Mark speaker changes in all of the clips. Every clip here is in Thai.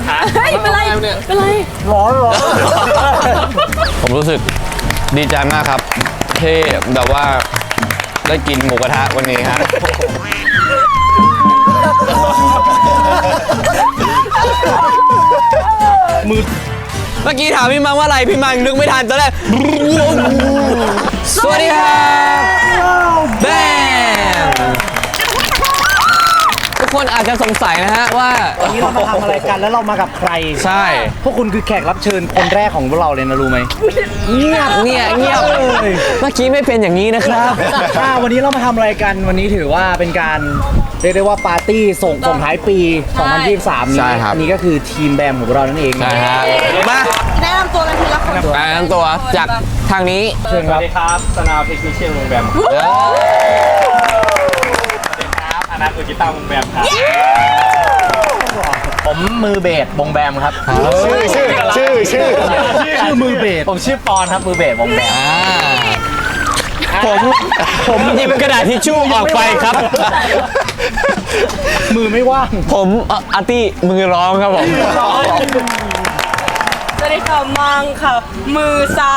Speaker 1: เฮ้ยเป็นไรเป็นไร
Speaker 2: ร้อน
Speaker 3: ผมรู้สึกดีใจมากครับที่แบบว่าได้กินหมูกระทะวันนี้ฮะเมื่อกี้ถามพี่มังว่าอะไรพี่มังนึกไม่ทันตอนแรกสวัสดีครับแบมทุกคนอาจจะสงสัยนะฮะว่า
Speaker 2: วันนี้เรามาทำอะไรกันแล้วเรามากับใคร
Speaker 3: ใช่
Speaker 2: พวกคุณคือแขกรับเชิญคนแรกของพวกเราเลยนะรู้ไหมเงียบ
Speaker 3: เงียบ
Speaker 2: เลย
Speaker 3: เมื่อกี้ไม่เป็นอย่างนี้นะครับ
Speaker 2: วันนี้เรามาทำอะไรกันวันนี้ถือว่าเป็นการเรียกได้ว่าปาร์ตี้ส่งท้ายปี 2023 นี้
Speaker 3: ใช่ครับ
Speaker 2: อันนี้ก็คือทีมแบมของเรานั่นเอง
Speaker 3: ใช่ฮะมา
Speaker 1: แนะนำตัวกันทีละคน
Speaker 3: แนะนำตัวจากทางนี้
Speaker 2: เชิญ
Speaker 4: ส
Speaker 2: ค
Speaker 4: วั
Speaker 2: รับ
Speaker 4: สดีครับสนาวเทคนิคเชียลวงแบมสวัสดีครับอนัทมือกีตาร์วงแบมครับ
Speaker 2: ผมมือเบสวงแบมครับ
Speaker 4: ชื่อ
Speaker 2: มือเบสผมชื่อปอนครับมือเบสวงแบม
Speaker 3: ผมหยิบกระดาษทิชชู่ออกไปครับ
Speaker 2: มือไม่ว่าง
Speaker 3: ผมอาร์ตี้มือร้องครับผม
Speaker 1: สวัสดีค่ะมังค่ะ มือซ้าย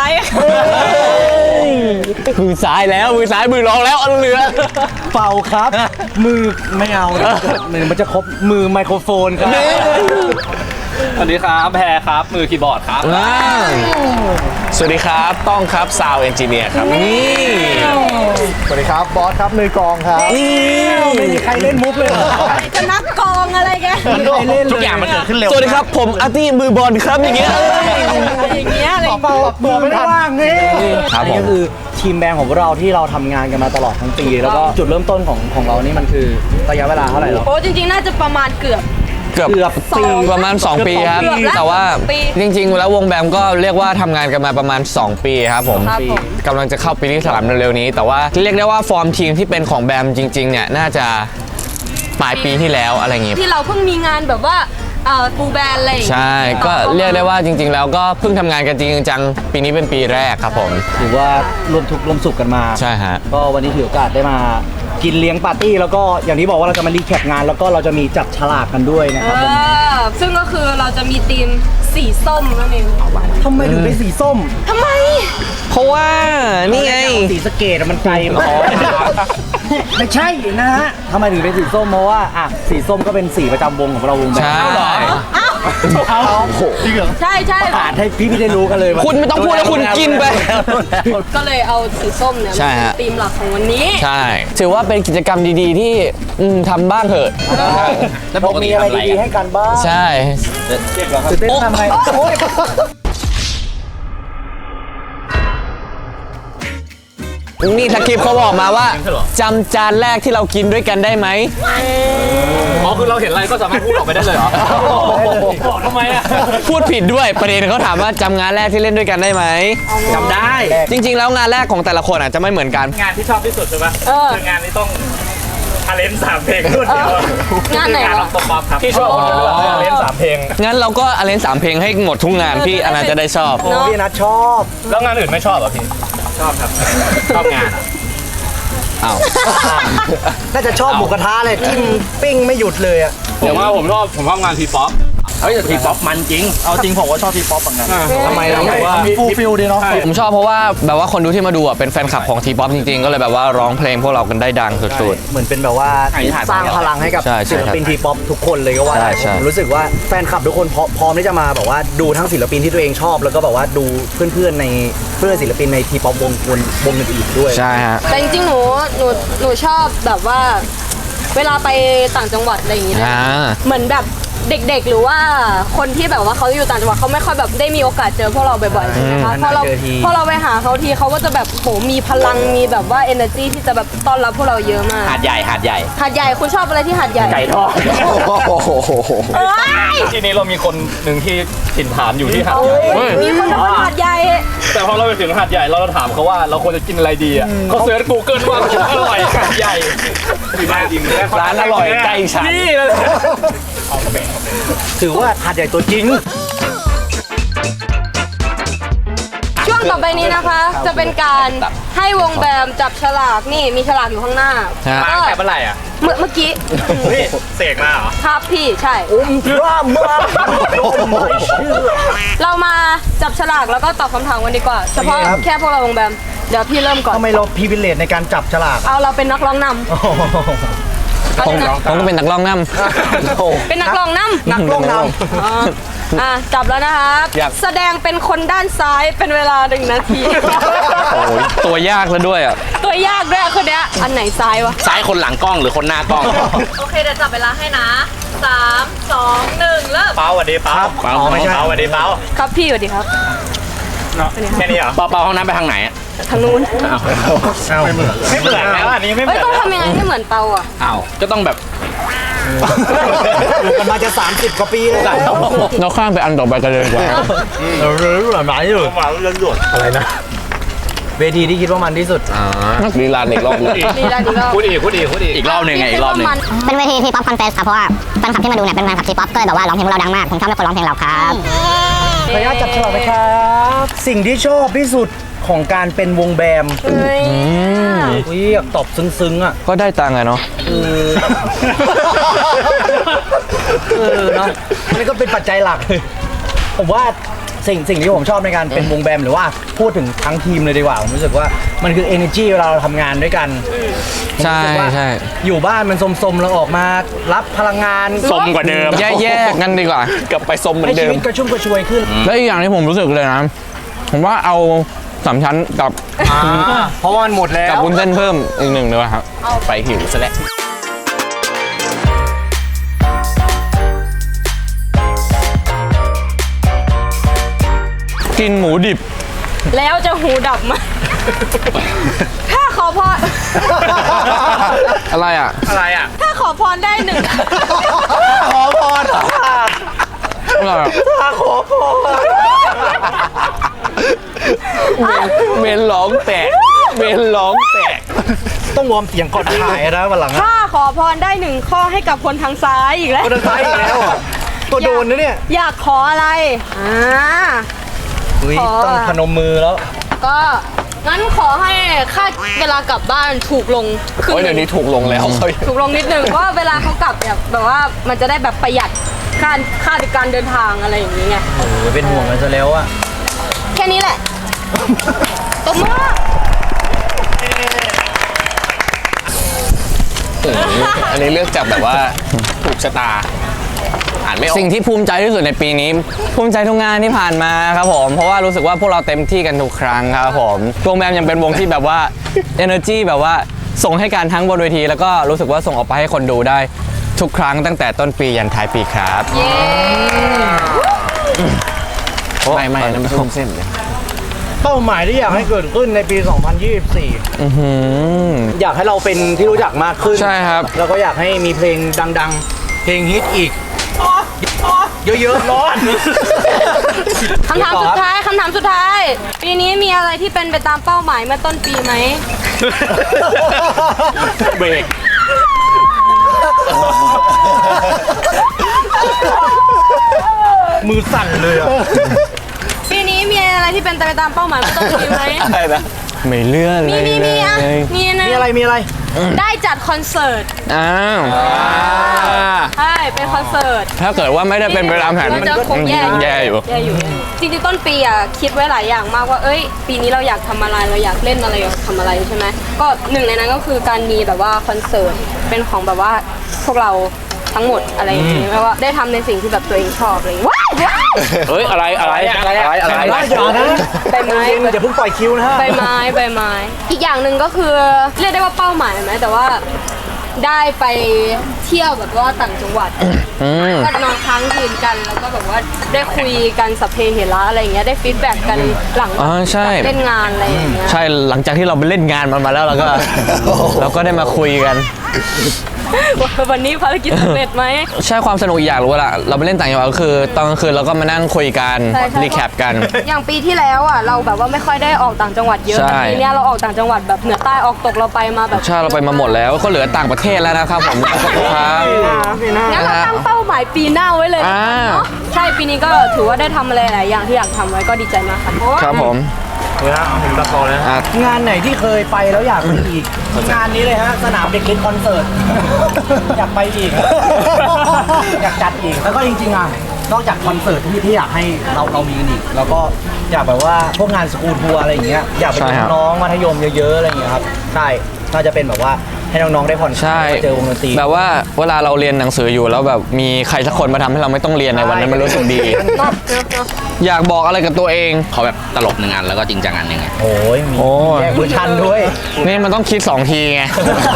Speaker 3: มือซ้ายแล้วมือซ้ายมือร้องแล้วเอาเหลือ
Speaker 2: เป่าครับ มือไม่เอามันจะครบมือไมโครโฟนครับ
Speaker 4: สวัสดีครับแพรครับมือคีย์บอร์ดครับ
Speaker 3: สวัสดีครับต้องครับซาวเอนจิเนียร์ครับนี่
Speaker 2: สวัสดีครับบอสครับมือกองครับ
Speaker 3: นี่
Speaker 2: ไม่มีใครเล่นมุกเลยเหรอ
Speaker 1: จะนักกองอะไรกัน
Speaker 2: ไม่มีใครเล่นเลย
Speaker 4: ทุกอย่างมันเกิดขึ้นเร็ว
Speaker 3: สวัสดีครับผมอาร์ตี้มือบอลครับอย่างเงี้ย
Speaker 1: อย่างเงี้ยอะไร
Speaker 2: เป่ามือไม่ว่างนี่
Speaker 3: ครับผม
Speaker 2: นี่ก็คือทีมแบงของพวกเราที่เราทำงานกันมาตลอดทั้งปี แล้วก็จุดเริ่มต้นของเรานี่มันคือระยะเวลาเท่าไหร่หรอ
Speaker 1: โอ้จริงๆน่าจะประมาณเกือบ
Speaker 3: เกือบ
Speaker 2: ปี
Speaker 3: ประมาณ 2 ปีครับ
Speaker 1: เกือบแล้ว
Speaker 3: แต่ว่า
Speaker 1: ปี
Speaker 3: จริงๆ แล้ววงแบมก็เรียกว่าทำงานกันมาประมาณ 2 ปีครับผม
Speaker 1: ครับผม
Speaker 3: กำลังจะเข้าปีที่3เร็วๆนี้ แต่ว่าเรียกได้ว่าฟอร์มทีมที่เป็นของแบมจริงๆเนี่ยน่าจะปลายปีที่แล้วอะไรอย่างงี้
Speaker 1: ที่เราเพิ่งมีงานแบบว่าฟูลแบนด์อะไรอย่างเงี้ย
Speaker 3: ใช่ก็เรียกได้ว่าจริง ๆ แล้วก็เพิ่งทำงานกันจริงๆจังปีนี้เป็นปีแรกครับผม
Speaker 2: ถือว่ารวมทุกข์รวมสุขกันมา
Speaker 3: ใช่ฮะ
Speaker 2: ก็วันนี้ถือโอกาสได้มากินเลี้ยงปาร์ตี้แล้วก็อย่างที่บอกว่าเราจะมารีแคปงานแล้วก็เราจะมีจับฉลากกันด้วยนะครับผม
Speaker 1: ซึ่งก็คือเราจะมีทีมสีส้มนั่นเอง
Speaker 2: ทำไมถึงเป็นสีส้ม
Speaker 1: ทำไม
Speaker 3: เพราะว่านี่ไง
Speaker 2: สีสะเกดมันไกลไม่ใช่นะฮะทำไมถึงเป็นสีส้มเพราะว่าอ่ะสีส้มก็เป็นสีประจำวงของเราวงแบง
Speaker 3: ใช่
Speaker 2: เอาจริงเหรอ
Speaker 1: ใช่ใช่
Speaker 2: อ่านให้พี่ได้รู้กันเลย
Speaker 3: คุณไม่ต้องพูดแล้วคุณกินไป
Speaker 1: ก็เลยเอาสีส้มเนี่ย
Speaker 3: ใช่ฮะ
Speaker 1: เป็นธีมหลักของวันนี้
Speaker 3: ใช่ ถือว่าเป็นกิจกรรมดีๆที่ทำบ้างเถอะ
Speaker 2: แล้วมีอะไรดีๆให้กันบ้าง
Speaker 3: ใช่
Speaker 2: ตื่นเต้นทำไงโอ๊ย
Speaker 3: นี่สคริปต์เขาบอกมาว่าจำจานแรกที่เรากินด้วยกันได้ไหม
Speaker 4: อ๋อคือเราเห็นอะไรก็สามารถพูดออกไปได้เลยเหรอบอกทำไมอ่ะ
Speaker 3: พูดผิดด้วยประเด็นเขาถามว่าจำงานแรกที่เล่นด้วยกันได้ไหม
Speaker 4: จำได้
Speaker 3: จริง ๆ แล้วงานแรกของแต่ละคนอาจจะไม่เหมือนกัน
Speaker 4: งานที่ชอบที่สุดใช่ปะคืองานนี้ต้องทาเลนต์3 เพลงรวดเดียว
Speaker 1: งานไหน
Speaker 4: งาน
Speaker 1: วะ
Speaker 4: ร้องป๊อปครับที่ชอบคนเดียวทาเลนต์3 เพลง
Speaker 3: งั้นเราก็อาเลน3 เพลงให้หมดทุกงานพี่อนันต์จะได้ชอบ
Speaker 2: โอ้พี่นัทชอบ
Speaker 4: แล้วงานอื่นไม่ชอบเหรอพี่ชอบครับชอบงาน
Speaker 3: อ้าว
Speaker 2: น่าจะชอบหมูกระทะเลยจิ้มปิ้งไม่หยุดเลยอ่ะ
Speaker 4: ผมว่าผมชอบงานทีป๊อปเฮ้ยแต่ทีป๊อปมันจริง
Speaker 2: เอาจริงผมว่าชอบทีป๊อปเหมือนกัน
Speaker 4: ทำไม
Speaker 2: ฟูลฟิลดีเนาะ
Speaker 3: ผมชอบเพราะว่าแบบว่าคนดูที่มาดูอ่ะเป็นแฟนคลับของทีป๊อปจริงๆ ก็เลยแบบว่าร้องเพลงพวกเรากันได้ดังสุด
Speaker 2: เหมือนเป็นแบบว่าสร้างพลังให้กับ
Speaker 3: ใช่ใช่
Speaker 2: ศิลปินทีป๊อปทุกคนเลยก็ว่าได้
Speaker 3: ใช่
Speaker 2: ผมรู้สึกว่าแฟนคลับทุกคนพร้อมที่จะมาแบบว่าดูทั้งศิลปินที่ตัวเองชอบ แล้วก็แบบว่าดูเพื่อนๆในเพื่อนศิลปินในทีป๊อปวงอื่นๆด้วย
Speaker 3: ๆ ใช่ฮะ
Speaker 1: แต่จริงๆหนูชอบแบบว่า เวลาไปต่างจังหวัดอะไรอย่างงี้นะ
Speaker 3: อ่า
Speaker 1: เหมือนแบบเด็กๆ หรือว่าคนที่แบบว่าเขาอยู่ต่างจังหวัดเขาไม่ค่อยแบบได้มีโอกาสเจอพวกเราบ่อยๆใช่ไหมคะพอเราไปหาเขาทีเขาก็จะแบบโหมีพลังมีแบบว่า energy ที่จะแบบต้อนรับพวกเราเยอะมาก
Speaker 4: หาดใหญ่
Speaker 1: หาดใหญ่คุณชอบอะไรที่หาดใหญ่
Speaker 4: ไก่ทอด
Speaker 1: เอ้ย
Speaker 4: ทีนี้เรามีคนหนึ่งที่ถิ่นฐานอยู่ที่หาดใหญ่
Speaker 1: มีคนทำหาดใหญ่
Speaker 4: แต่พอเราไปถึงหาดใหญ่เราถามเขาว่าเราควรจะกินอะไรดีอ่ะเขาเสิร์ช Google ว่าอร่อยหาดใหญ่ร้านอร่อยใกล้ฉันนี่เลย
Speaker 2: ถือว่าหาดใหญ่ตัวจริง
Speaker 1: ช่วงต่อไปนี้นะคะ จะเป็นการให้วงแบมจับฉลากนี่มีฉลากอยู่ข้างหน้า
Speaker 3: ฮะ
Speaker 1: ก็
Speaker 4: แต่เมื่อไหร่อ่ะ
Speaker 1: เมื่อกี้
Speaker 4: เสกมาเหรอ
Speaker 1: ครับพี่ใช่
Speaker 2: พระมา
Speaker 1: บฉลากแล้วก็ตอบคำถามกันดีกว่า เฉพาะ
Speaker 2: โอเคครับ
Speaker 1: แค่พวกเราวงแบมเดี๋ยวพี่เริ่มก่อน
Speaker 2: ทำไมเราพรีเวลเลตในการจับฉลาก
Speaker 1: เอาเราเป็นนักร้องนำ
Speaker 2: โอ้โห
Speaker 3: ผมก็เป็นนักร้องน
Speaker 1: เป็นนักร้องนำ
Speaker 2: นักร้องน
Speaker 1: จับแล้วนะครับแสดงเป็นคนด้านซ้ายเป็นเวลา1 นาที
Speaker 3: ำโอ้ยตัวยากแล้วด้วยอ่ะ
Speaker 1: ตัวยากด้วยคนเนี้ยอันไหนซ้ายวะ
Speaker 4: ซ้ายคนหลังกล้องหรือคนหน้ากล้อง
Speaker 1: โอเคเดี๋ยวจับเวลาให้นะ3 2 1เริ่ม
Speaker 4: เป้าสวัสดีเป้า
Speaker 2: ำอ๋อไม่ใช่
Speaker 4: เป้าสวัสดีเป้า
Speaker 1: ครับพี่สวัสดีครับ
Speaker 4: แค่นี้เหรอเป้าห้องน้ำไปทางไหนอะ
Speaker 1: ทางนู้น
Speaker 2: ไม่เหมือน
Speaker 4: ไม่เหมือนแล้วอันนี้ไม่เหมื
Speaker 1: เฮ้ย
Speaker 4: อน
Speaker 1: ต้องทำยังไงให้เหมือนเปาอ่ะ
Speaker 4: อ้าวก็ต้องแบบ
Speaker 2: กันมาจะ30 กว่าปีเลย
Speaker 3: เราข้ามไปอันต่อไปกันเลยดีกว่า
Speaker 2: หมายอยู่อะไรนะ เวทีที่คิดว่ามันที่สุด
Speaker 3: ลีลาอีกรอบหนึง
Speaker 1: ดีแล้วดีแล้ว
Speaker 4: พูดอีกอีกรอบหนึ่งไงอีกรอบหนึ่ง
Speaker 5: เป็นเวทีทีป๊อปคอนเฟสครับเพราะว่าแฟนคลับที่มาดูเนี่ยเป็นแฟนคลับทีป๊อปก็เลยแบบว่าร้องเพลงพวกเราดังมากผมชอบให้คนร้องเพลงเราครับ
Speaker 2: ขออนุญาตจับฉลากนะครับ สิ่งที่ชอบที่สุดของการเป็นวงแบม
Speaker 1: เฮ้ย
Speaker 2: อุ้ยอยากตอบซึ้งๆอ่ะ
Speaker 3: ก็ได้ตังค์อะเนาะ
Speaker 2: เนาะอันนี้ก็เป็นปัจจัยหลักเลยผมว่าสิ่งที่ผมชอบในการเป็นวงแบมหรือว่าพูดถึงทั้งทีมเลยดีกว่าผมรู้สึกว่ามันคือ energy เวลาเราทำงานด้วยกัน
Speaker 3: ใช่
Speaker 2: ผมรู้สึกว่า
Speaker 3: ใช่
Speaker 2: อยู่บ้านมันสมๆเราออกมารับพลังงาน
Speaker 4: สมกว่าเดิม
Speaker 3: แยกๆกันดีกว่า
Speaker 4: กลับไปสมเหมือ
Speaker 2: ให้
Speaker 4: นเดิ
Speaker 2: ชี
Speaker 4: ม
Speaker 2: วิตกระชุ่มกระชวยขึ้น
Speaker 3: แล้วอีกอย่างที่ผมรู้สึกเลยนะ ผมว่าเอาสามชั้นกับ
Speaker 2: เพราะว่ามันหมดแล้
Speaker 3: กับ
Speaker 2: ว
Speaker 3: วุ้นเส้นเพิ่มอีก1เลยครับ
Speaker 4: ไปหิวซะแล้ว
Speaker 3: กินหมูดิบ
Speaker 1: แล้วจะหูดับไหมถ้าขอพร
Speaker 3: อะไรอ่ะ
Speaker 4: อะไรอ่ะ
Speaker 1: ถ้าขอพรได้1
Speaker 2: ขอพร
Speaker 3: อะไรอ่ะ
Speaker 2: ขอพร
Speaker 3: เมนร้องแตกเมนร้องแตก
Speaker 2: ต้องวอร์มเสียงก่อนถ่ายนะวันหลัง
Speaker 1: ถ้าขอพรได้1 ข้อให้กับคนทางซ้ายอีกแล้ว
Speaker 2: คนทางซ้ายอีกแล้วอ่ะตัวโดนนะเนี่ย
Speaker 1: อยากขออะไร
Speaker 2: อุ้ย
Speaker 1: ขอ
Speaker 2: ต้องพนมมือแล้ว
Speaker 1: ก็งั้นขอให้ค่าเวลากลับบ้านถูกลงครึ่ง
Speaker 3: โอ้ย
Speaker 1: ห
Speaker 3: เดี๋ยว
Speaker 1: นึ่
Speaker 3: นี้
Speaker 1: ง
Speaker 3: ถูกลงแล้ว
Speaker 1: ถูกลงนิดนึงเพราะว่าเวลาเขากลับเนี่ยแบบว่ามันจะได้แบบประหยัดค่าในการเดินทางอะไรอย่างนี้ไง
Speaker 2: โอ้ยเป็นห่วงกันซะแล้วอ่ะ
Speaker 1: แค่นี้แหละตบมือ
Speaker 3: อันนี้เลือกจากแบบว่าถูกชะตา อ่านไม่ออกสิ่งที่ภูมิใจที่สุดในปีนี้ ภูมิใจทุกงานที่ผ่านมาครับผม เพราะว่ารู้สึกว่าพวกเราเต็มที่กันทุกครั้งครับผมวงแบมยังเป็นวงที่แบบว่า energy แบบว่าส่งให้การทั้งบนเวที แล้วก็รู้สึกว่าส่งออกไปให้คนดูได้ทุกครั้งตั้งแต่ต้นปียันท้ายปีครับ
Speaker 1: เย้
Speaker 3: ไม่น้ำส้มเส้นเลย
Speaker 2: เป้าหมายที่อยากให้เกิดขึ้นในปี 2024 อยากให้เราเป็นที่รู้จักมากขึ้น
Speaker 3: ใช่ครับ
Speaker 2: แล้วก็อยากให้มีเพลงดังๆ เพลงฮิตอีก เยอะๆร้อน
Speaker 1: คำถามสุดท้าย ปีนี้มีอะไรที่เป็นไปตามเป้าหมายเมื่อต้นปีไหม
Speaker 4: เบรก
Speaker 2: มือสั่นเลยอ่ะ
Speaker 1: ปีนี้มีอะไรที่เป็นไปตามเป้าหมายเมื่อต้นปีไหม
Speaker 3: อะไรนะไม่เลื่อนเลย
Speaker 1: มีอ่ะ
Speaker 3: เลย
Speaker 1: มีนะ
Speaker 2: มีอะไร
Speaker 1: ได้จัดคอนเสิร์ต
Speaker 3: อ้าว
Speaker 1: ใช่เป็นคอนเสิร์ต
Speaker 3: ถ้าเกิดว่าไม่ได้เป็นไปตามแผน
Speaker 1: มันจะคงแย่
Speaker 3: แย่อยู่
Speaker 1: จริงๆต้นปีอ่ะคิดไว้หลายอย่างมากว่าเอ้ยปีนี้เราอยากทำอะไรเราอยากเล่นอะไรอยากทำอะไรใช่ไหมก็หนึ่งในนั้นก็คือการมีแบบว่าคอนเสิร์ตเป็นของแบบว่าพวกเราทั้งหมดอะไรอย่างนี้แปลว่าได้ทำในสิ่งที่แบบตัวเองชอบอะไรอย่างงี้ว้าย
Speaker 4: เฮ้ยอะไรอย่านะ
Speaker 1: ใบไม้
Speaker 2: อย่าเพิ่งปล่อยคิวนะฮะ
Speaker 1: ใบไม้อีกอย่างหนึ่งก็คือเรียกได้ว่าเป้าหมายไหมแต่ว่าได้ไปเที่ยวแบบว่าต่างจังหวัดก็นอนค้างคืนกันแล้วก็แบบว่าได้คุยกันสัพเพเหระอะไรอย่างเงี้ยได้ฟีดแบ็กกันหลัง
Speaker 3: อ๋อใช่
Speaker 1: เล่นงานอะไรอย่างเงี้ย
Speaker 3: ใช่หลังจากที่เราไปเล่นงานมันมาแล้วเราก็ เราก็ได้มาคุยกัน
Speaker 1: วันนี้ภารกิจสำเร็จไหม
Speaker 3: ใช่ความสนุกอีกอย่างรู้ว่าเราไปเล่นต่างจังหวัดก็คือตอนกลางคืนเราก็มานั่งคุยกัน
Speaker 1: ใช่
Speaker 3: รีแคปกัน
Speaker 1: อย่างปีที่แล้วอ่ะเราแบบว่าไม่ค่อยได้ออกต่างจังหวัดเยอะ
Speaker 3: ใช่
Speaker 1: แต่ปีเนี้ยเราออกต่างจังหวัดแบบเหนือใต้ออกตกเราไปมาแบบ
Speaker 3: ใช่เราไปมาหมดแล้วก็เหลือต่างประเทศแล้วนะครับผมครับ
Speaker 1: งั้นเราตั้งเป้าหมายปีหน้าไว้เลย
Speaker 3: อ่า
Speaker 1: เนาะใช่ปีนี้ก็ถือว่าได้ทำอะไรหลายอย่างที่อยากทำไว้ก็ดีใจมากค่ะ
Speaker 3: ครับผม อ่ะ
Speaker 2: งานไหนที่เคยไปแล้วอยากไปอีก งานนี้เลยฮะ สนามเด็กเล่นคอนเสิร์ต อยากไปอีก อยากจัดอีก แล้วก็จริงๆอ่ะนอกจากคอนเสิร์ตที่อยากให้เรามีกันอีกแล้วก็อยากแบบว่าพวกงานสกูลทัวร์อะไรอย่างเงี้ยอยากไปเจอน้องมัธยมเยอะๆอะไรอย่างเงี้ยครับใช่น่าจะเป็นแบบว่าให้น้องๆได้ผ่อนคลายเจอวงดนตรี
Speaker 3: แบบว่าเวลาเราเรียนหนังสืออยู่แล้วแบบมีใครสักคนมาทำให้เราไม่ต้องเรียนในวันนั้นมันรู้สึกดี อยากบอกอะไรกับตัวเอง
Speaker 6: เขาแบบตลกหนึ่งอันแล้วก็จริงจังอันหนึ่งไง
Speaker 2: โอ้ยมี
Speaker 3: โอ้ย
Speaker 2: แยกเวอร์ชันด้วย
Speaker 3: นี่มันต้องคิด2 ทีไง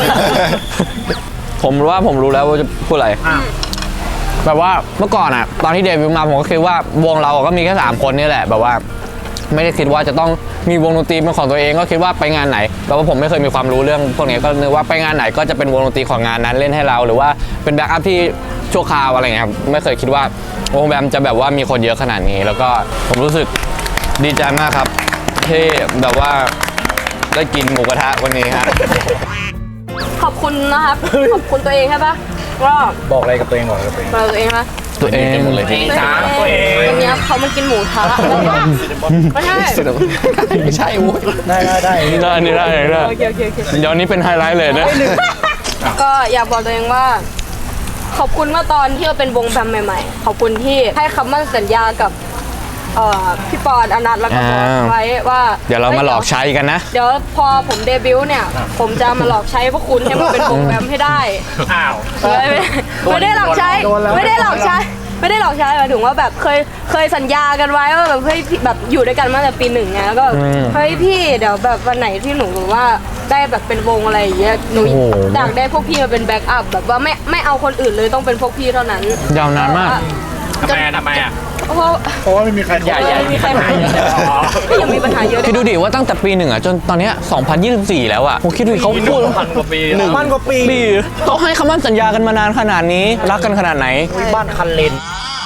Speaker 3: ผมรู้ว่าผมรู้แล้วว่าจะพูดอะไร แบบว่าเมื่อก่อนอะตอนที่เดบิวต์มาผมก็คิดว่าวงเราก็มีแค่3 คนนี่แหละแบบว่า ไม่ได้คิดว่าจะต้องมีวงดนตรีเป็นของตัวเองก็คิดว่าไปงานไหนแบบว่าผมไม่เคยมีความรู้เรื่องพวกนี้ก็นึกว่าไปงานไหนก็จะเป็นวงดนตรีของงานนั้นเล่นให้เรา หรือว่าเป็นแบ็คอัพที่ชั่วคราวอะไรเงี้ยครับไม่เคยคิดว่าวงแบมจะแบบว่ามีคนเยอะขนาดนี้ แล้วก็ผมรู้สึกดีใจมากครับที่แบบว่าได้กินหมูกระทะวันนี้ครับ
Speaker 1: ขอบคุณนะครับ ขอบคุณตัวเองใช่ปะก็
Speaker 2: บอกอะไรกับตัวเองบอกอะไรกับตัวเอง
Speaker 1: ตัวเองนะ
Speaker 3: ตัวเอง
Speaker 6: หมดเลยที่
Speaker 1: ตัวเองวันนี้เขามากินหมูทะไม่ใช่
Speaker 3: ไม่ใช่วุ้ย
Speaker 2: ได้
Speaker 3: ได้
Speaker 1: โอเคโอเคโอเค
Speaker 3: เดี๋ยวนี้เป็นไฮไลท์เลยนะ
Speaker 1: ก็อยากบอกตัวเองว่า ขอบคุณเมื่อตอนที่เราเป็นวงแบมใหม่ๆ ขอบคุณที่ให้คำมั่นสัญญากับพี่ปอนอนัทแล้วก็บอสไว้ว่า
Speaker 3: เดี๋ยวเรามาหลอกใช้กันนะ
Speaker 1: เดี๋ยวพอผมเดบิวต์เนี่ย ผมจะมาหลอกใช้พวกคุณให้มันเป็นวงแบมให้ได้
Speaker 4: อ้าว
Speaker 1: ไม่ได้หลอกใช้ ไม่ได้หลอกใช้ ไม่ได้หลอกใช้หมายถึงว่าแบบเคยสัญญากันไว้ว่าแบบเฮ้ยแบบอยู่ด้วยกันมาตั้งแต่ปี1ไงแล้วก็เฮ้ยพี่เดี๋ยวแบบวันไหนที่หนูแบบว่าได้แบบเป็นวงอะไรอย่างเงี้ยหนู
Speaker 3: โอ้โห
Speaker 1: อยากได้พวกพี่มาเป็นแบ็กอัพแบบว่าไม่เอาคนอื่นเลยต้องเป็นพวกพี่เท่านั้น
Speaker 3: ยาวนานมาก
Speaker 4: ทำไมอ่ะ
Speaker 1: เพราะว่า
Speaker 2: ไม่มีใคร
Speaker 1: ไม่มีใครหาก็ยังมีปัญหาเยอะ
Speaker 3: คิดดูดิว่าตั้งแต่ปี1อ่ะจนตอนเนี้ย2024 แล้วอ่ะผมคิดดูดิเขาพูด
Speaker 4: 1,000 กว่าปี
Speaker 2: 1,000 กว่าปี
Speaker 3: เขาให้คำมั่นสัญญากันมานานขนาดนี้รักกันขนาดไหน
Speaker 2: บ้านคันเลน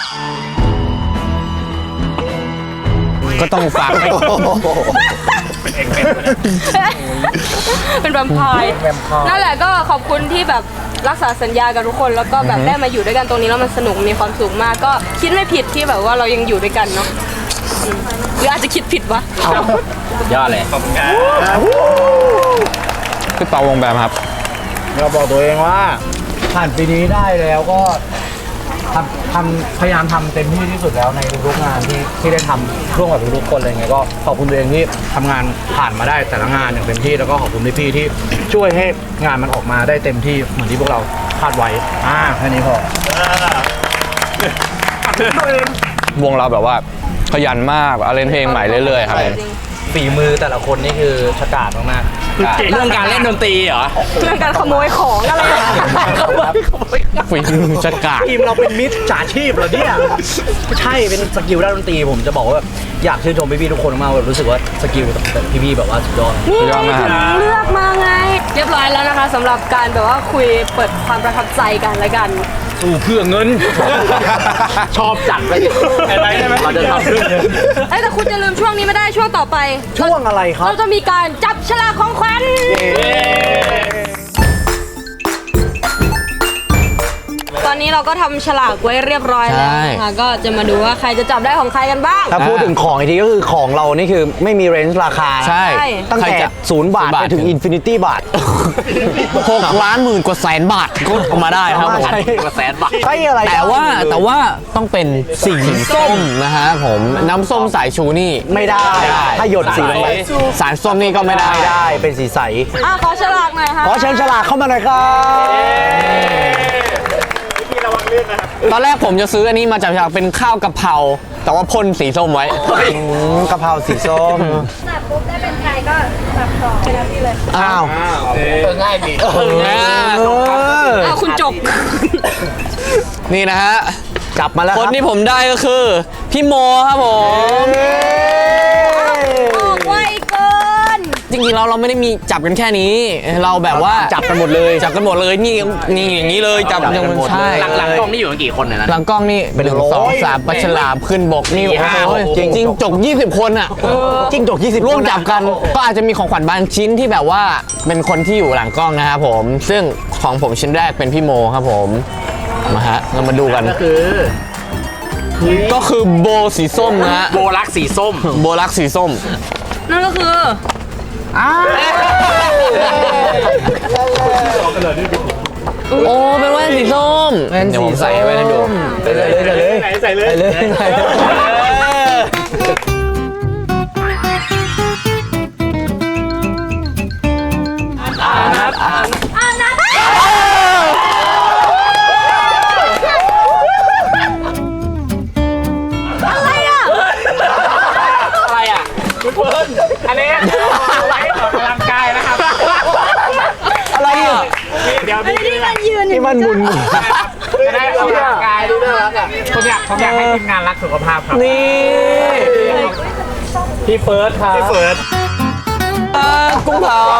Speaker 3: ก็ต้องฝากให้
Speaker 1: เป็นแวมไพร์นั่นแหละก็ขอบคุณที่แบบรักษาสัญญากับทุกคนแล้วก็แบบได้มาอยู่ด้วยกันตรงนี้แล้วมันสนุกมีความสุขมากก็คิดไม่ผิดที่แบบว่าเรายังอยู่ด้วยกันเนาะหรืออาจจะคิดผิดวะ
Speaker 6: ยอดเลย
Speaker 3: พี่เปาวงแบมครับ
Speaker 2: เราบอกตัวเองว่าผ่านปีนี้ได้แล้วก็พยายามทำเต็มที่ที่สุดแล้วในทุกๆงานที่ได้ทำร่วมกับทุกๆคนอะไรเงี้ยก็ขอบคุณตัวเองที่ทำงานผ่านมาได้แต่ละงานอย่างเต็มที่แล้วก็ขอบคุณพี่ๆที่ช่วยให้งานมันออกมาได้เต็มที่เหมือนที่พวกเราคาดไว้แค่นี้พอ
Speaker 3: วงเราแบบว่าขยันมากเอาเล่นเพลงใหม่เรื่อยๆครับผม
Speaker 2: ฝีมือแต่ละคนนี่คือฉกาจมากๆ
Speaker 6: เรื่องการเล่นดนตรีเหรอ
Speaker 1: เรื่องการขโมยของอะไรอะ
Speaker 3: ฝีมือจะกาด
Speaker 2: ทีมเราเป็นมิตรจ่าชีพเหรอเนี่ยไม่ใช่เป็นสกิลด้านดนตรีผมจะบอกว่าแบบอยากชื่นชมพี่ๆทุกคนมากแบบรู้สึกว่าสกิลแต่พี่ๆแบบว่าสุดยอด
Speaker 1: นี่ไงถึงเลือกมาไง เรียบร้อยแล้วนะคะสำหรับการแบบว่าคุยเปิดความประทับใจกันและกัน
Speaker 6: สู้เพื่อเงิน ชอบจัดเลย
Speaker 4: อะไรได้ไหม
Speaker 6: เราจะทำเพื่อเงิน
Speaker 1: เอ้ยแต่คุณจะลืมช่วงนี้ไม่ได้ช่วงต่อไป
Speaker 2: ช่วงอะไรครับ
Speaker 1: เราจะมีการจับฉลากของขวัญตอนนี้เราก็ทำฉลากไว้เรียบร้อยแล้วนะคะก็จะมาดูว่าใครจะจับได้ของใครกันบ้าง
Speaker 2: ถ้าพูดถึงของอีกทีก็คือของเรานี่คือไม่มีเรนจ์ราคา
Speaker 3: ใช่
Speaker 2: ตั้ง
Speaker 3: ใคร
Speaker 2: แต่
Speaker 3: จะ
Speaker 2: 0 บาทไปถึงอินฟินิตี้บาท
Speaker 3: 6 ล้านหมื่นกว่าแสนบาทก็เอามาได้ครับผม
Speaker 2: ใช่
Speaker 6: กว่าแสนบาท
Speaker 2: ใช่อะไร
Speaker 3: แต่ว่าต้องเป็นสีส้มนะฮะผมน้ำส้มสายชูนี่
Speaker 2: ไม่ได้ ถ้าหยดสีลงไป
Speaker 3: สารส้มนี่ก็ไม่ได้
Speaker 2: ไม่ได้เป็นสีใส
Speaker 1: ขอฉลากหน่อยค่ะ
Speaker 2: ขอเชิญฉลากเข้ามาหน่อยครับ
Speaker 3: ตอนแรกผมจะซื้ออันนี้มาจากฉลากเป็นข้าวกะเพราแต่ว่าพ่นสีส้มไว้
Speaker 2: กะเพราสีส้ม
Speaker 1: จับปุ๊บได้เป็นใครก็จับต่อไปแล้วที่เลย
Speaker 2: อ้าว
Speaker 6: ง่ายดี
Speaker 1: คุณจบ
Speaker 3: นี่นะฮะ
Speaker 2: จับมาแล้ว
Speaker 3: คน
Speaker 2: รับ
Speaker 3: ที่ผมได้ก็คือพี่โมครับผม
Speaker 1: ออกไวเกิน
Speaker 3: จริงๆเราไม่ได้มีจับกันแค่นี้ เราแบบว่า
Speaker 2: จับกันหมดเลย
Speaker 3: จับกันหมดเลยนี่อย่างนี้เลยจับ
Speaker 2: จับกันหมด
Speaker 3: ใช่
Speaker 6: หลังกล้องนี่อยู่กันกี่คนเนี่ยนะ
Speaker 3: หลังกล้องนี่
Speaker 2: เป็น
Speaker 3: 1
Speaker 2: ร้อย
Speaker 3: 2 3ปลาฉลามขึ้นบกนี่
Speaker 6: 4 5
Speaker 3: โอ้ย
Speaker 2: 6
Speaker 3: จริงๆจก20 คนอ่ะ
Speaker 2: จิ้งจก20
Speaker 3: ร่วมจับกันก็อาจจะมีของขวัญบางชิ้นที่แบบว่าเป็นคนที่อยู่หลังกล้องนะครับผมซึ่งของผมชิ้นแรกเป็นพี่โมครับผมมาฮะเรามาดูกัน ก็คือโบสีส้มนะฮะ
Speaker 6: โบลักสีส้ม
Speaker 3: โบลักสีส้ม
Speaker 1: นั่นก็คือ
Speaker 3: โอ้เป็นแว่นสีส้มเดี๋ยวผมใส่แว่นให้ดู
Speaker 6: ใส่เลย
Speaker 4: อะไรอ่ะคุณเฟิร์นอันนี้ไว้ออกกำลังกายนะครับ
Speaker 2: อะไรอ่ะ
Speaker 4: เดี๋ยวมีนี่มันยืน
Speaker 2: นี่มันบุญ
Speaker 4: จะได้ออกกำลังกายดูน่ารักอ่ะผมอยากให้ทีมงานรักสุขภาพครับ
Speaker 3: นี่
Speaker 4: พี่เฟิร์สครับพี่เฟิร์ส
Speaker 3: กุ้งเผา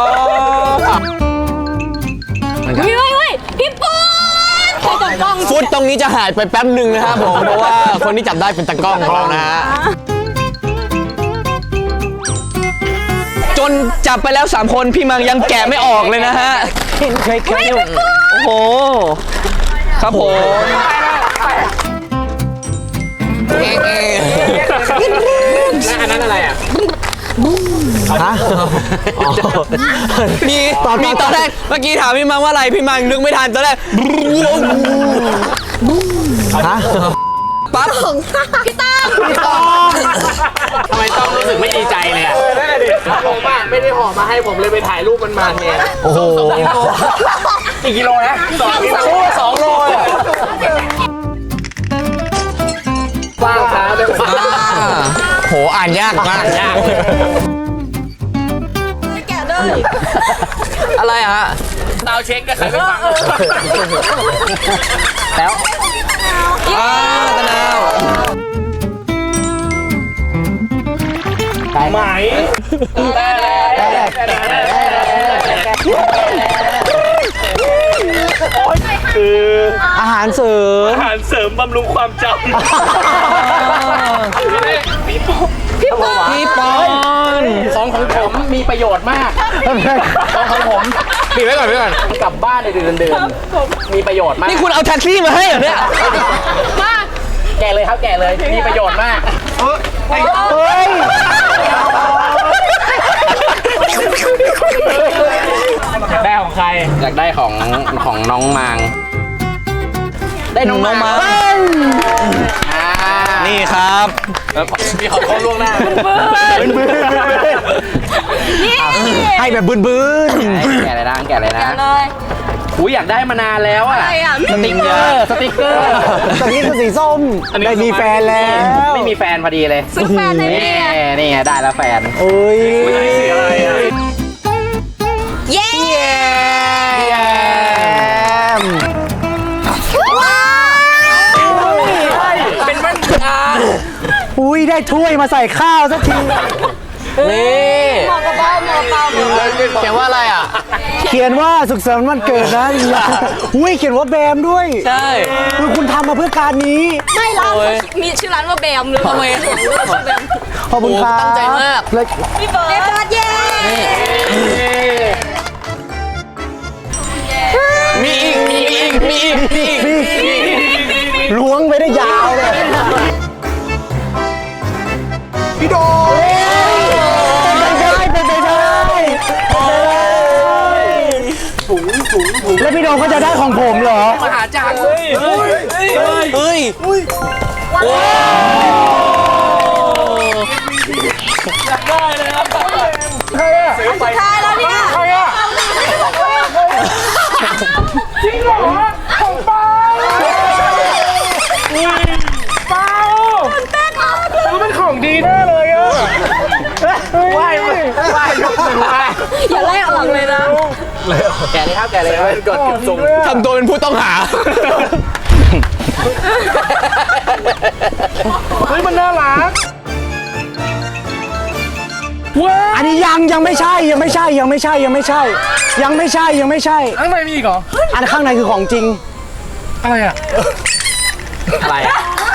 Speaker 1: เฮ้ยพี่ปูนใครจับกล้อง
Speaker 3: ฟุตตรงนี้จะหายไปแป๊บหนึ่งนะครับผมเพราะว่าคนที่จับได้เป็นตากล้องของเรานะฮะจนจับไปแล้ว3คนพี่มังยังแกะไม่ออกเลยนะฮะ
Speaker 2: เคย
Speaker 3: โอ้โหครับผมเอ๊ะ
Speaker 4: และอันนั้นอะไรอ่ะ
Speaker 3: มีตอนแรกเมื่อกี้ถามพี่มังว่าอะไรพี่มังนึกไม่ทันตอนแรกปั๊บ
Speaker 1: พี่ตั้ม
Speaker 4: ทำไมต้องรู้สึกไม่ดีใจเลยอ่ะผมอ่ะไม่ได้ห่อมาให้ผมเลยไปถ่ายรูปมันมาเนี่ย
Speaker 2: โอ้โห
Speaker 4: กี่กิโลนะ2 กิโล2 โลว่างครับเดี๋ยว
Speaker 3: โหอ่านยากมาก
Speaker 4: ยาก
Speaker 1: แกะเลย
Speaker 3: อะไรอะฮะ
Speaker 4: ดาวเช็คก็ใครไม่ฟัง
Speaker 2: แล้ว
Speaker 3: ตะนาว
Speaker 4: ไหมคือ
Speaker 2: อาหารเสริม
Speaker 4: อาหารเสริมบำรุงความจำ
Speaker 3: พี่ปอน
Speaker 4: ของผมมีประโยชน์มากของผม
Speaker 3: ปิดไว้ก่อนไว้ก่อน
Speaker 4: กลับบ้านในเดือนมีประโยชน์มาก
Speaker 3: นี่คุณเอาแท็กซี่มาให้เหรอเนี่ย
Speaker 4: แกะเลยครับแกะเลยมีประโยชน์มาก
Speaker 2: เฮ้ย
Speaker 4: ได้ของใครอยากได้ของน้องมางได้น้องมาง
Speaker 3: นี่ครับ
Speaker 4: มีของเขาล่วงหน้า
Speaker 2: ให้แบบบื้น
Speaker 4: แกะเลยนะแกะเลยนะ
Speaker 1: แกะเลย
Speaker 4: อุ้ยอยากได้มานานแล้วอะ
Speaker 1: อะไรอ่ะ
Speaker 4: สติ๊กเกอร์สติ๊กเกอร์
Speaker 2: ๆตอนนี้คือสีส้ม ได้มีแฟนแล้ว
Speaker 4: ไม่มีแฟนพอดีเลย
Speaker 1: ซื้อแฟนให้พี่ไง
Speaker 4: นี่ไงได้แล้วแฟน
Speaker 2: โอ้ย
Speaker 1: เย้
Speaker 2: ม
Speaker 4: เป็นมันตา
Speaker 2: อุ้ยได้ถ้วยมาใส่ข้าวสักที
Speaker 3: นี่
Speaker 1: หมอกระเป๋าหมอกระเป๋าหมอกระเป๋า
Speaker 3: เขียนว่าอะไรอ่ะ
Speaker 2: เขียนว่าสุขสันต์วันเกิดนะอุ้ยเขียนว่าแบมด้วย
Speaker 3: ใช่
Speaker 2: คุณทำมาเพื่อการนี้
Speaker 1: ไม่ร้านเขามีชื่อร้านว่าแบมเลย
Speaker 3: ทำไม
Speaker 1: ชื่อแบม
Speaker 2: ขอบคุณครับ
Speaker 3: ตั้งใจมาก
Speaker 2: แล้ว
Speaker 1: พี่เบิร์ดเย้
Speaker 3: มีอีก
Speaker 2: ล้วงไปได้ยาวเลยพี่โดเป็นไปได้แล้วพี่โดก็จะได้ของผมเหรอ
Speaker 4: มหาจักรเลย
Speaker 3: เฮ้ย
Speaker 4: ได้เลยครับซื้อไป
Speaker 1: ใช่แล้วเนี่ย
Speaker 4: จริงเหรอของเปาเปาซื้อเป็นของดีแน่เลยอ่ะไหว้ยกมือไหว้
Speaker 1: อย่าไล่ออกเลยนะ
Speaker 4: แกะเลยครับแกะเลยครับกดเก็บทรง
Speaker 3: ทำตัวเป็นผู้ต้องหา
Speaker 4: เฮ้ยมันน่ารัก
Speaker 2: อันนี้ยังไม่ใช่ยังไม่ใช่ยังไม่ใช่ยังไม่ใช่ยังไม่ใช่ยังไม่ใช่
Speaker 4: ข้างในมีอีกเหรอ
Speaker 2: อันข้างในคือของจริง
Speaker 4: อะไรอ่ะอะไรอ่ะ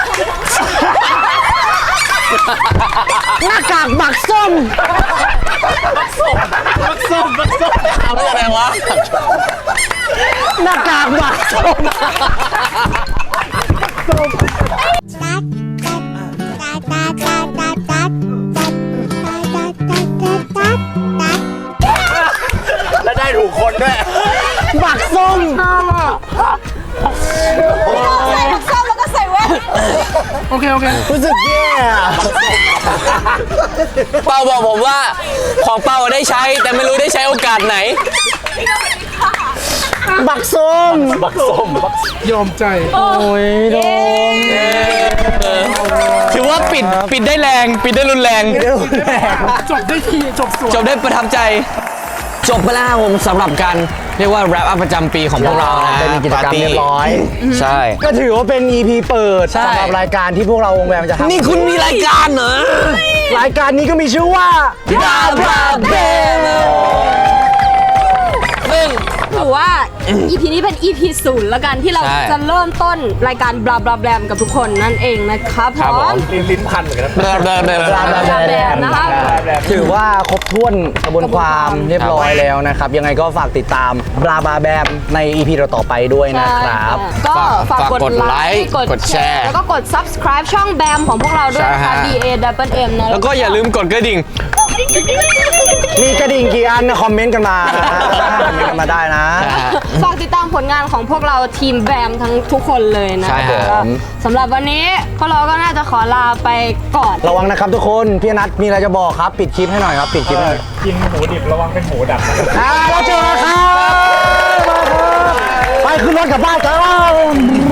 Speaker 2: หน้ากากหมักส้ม
Speaker 3: เอาเรื่องอะไรวะ
Speaker 2: หน้ากากหมักส้ม
Speaker 4: แล้วได้ถูกคนด้วย
Speaker 2: หมักส้ม
Speaker 6: โอเค
Speaker 2: รู้สึกแย่
Speaker 3: เปาบอกผมว่าของเปาได้ใช้แต่ไม่รู้ได้ใช้โอกาสไหน
Speaker 2: บักส้ม
Speaker 6: ยอมใจ
Speaker 2: โอ้ยโดม
Speaker 3: ถือว่าปิดได้แรงปิดได้รุนแรง
Speaker 6: จบได้ทีจบสวย
Speaker 3: จบได้ประทับใจ จบไปแล้วครับผมสำหรับการเรียกว่าแรปอัพประจำปีของพวกเรานะ
Speaker 2: เป็นกิจกรรมเรียบร้อย
Speaker 3: ใช่
Speaker 2: ก็ถือว่าเป็น EP เปิด
Speaker 3: ใช่
Speaker 2: สำหรับรายการที่พวกเราวงแวมจะทำ
Speaker 3: นี่คุณมีรายการเหรอ
Speaker 2: รายการนี้ก็มีชื่อว่า
Speaker 3: บาบาเบลซึ่ง
Speaker 1: ถือว่า EP นี้เป็น EP 0แล้วกันที่เรา
Speaker 3: ใช่
Speaker 1: จะเริ่มต้นรายการบลาบลาแบมกับทุกคนนั่นเองนะครับพ
Speaker 3: ครับ
Speaker 1: ร้
Speaker 3: ผ
Speaker 1: อม
Speaker 3: ม
Speaker 4: ลิ้นพันเหมือนกันนะ
Speaker 3: เดิน
Speaker 1: บลาบลาแบมนะครับ
Speaker 2: ถือว่าครบถ้วนกระบวนความเรียบร้อยแล้วนะครับ ยังไงก็ฝากติดตามบลาบาแบมใน EP ต่อๆไปด้วยนะครับ
Speaker 1: ก็ฝาก
Speaker 3: ฝาก
Speaker 1: ก
Speaker 3: ก
Speaker 1: ด
Speaker 3: ด
Speaker 1: ไล
Speaker 3: ไลค์
Speaker 1: ค์กด
Speaker 3: กด
Speaker 1: แช
Speaker 3: แช
Speaker 1: ร์
Speaker 3: ร์
Speaker 1: แล้วก็กด subscribe ช่องแบมของพวกเราด้วยนะคะ
Speaker 3: ใช่ฮะ
Speaker 1: BAMM นะ
Speaker 3: แล้วก็อย่าลืมกดกระดิ่ง
Speaker 2: มีกระดิ่งกี่อันนะคอมเมนต์กันมาคอมเมนต์กันมาได้นะ
Speaker 1: ฝากติดตามผลงานของพวกเราทีมแบมทั้งทุกคนเลยนะ
Speaker 3: ใช่ครับ
Speaker 1: ก็สำหรับวันนี้พวกเราก็น่าจะขอลาไปก่อน
Speaker 2: ระวังนะครับทุกคนพี่นัทมีอะไรจะบอกครับ ปิดคลิปให้หน่อยครับ ปิดคลิปให้หน่อย
Speaker 4: กินหมูดิบระวังเป็นหมูดับนะ
Speaker 2: แล้วเจอกันครับไปขึ้นรถกลับบ้านกัน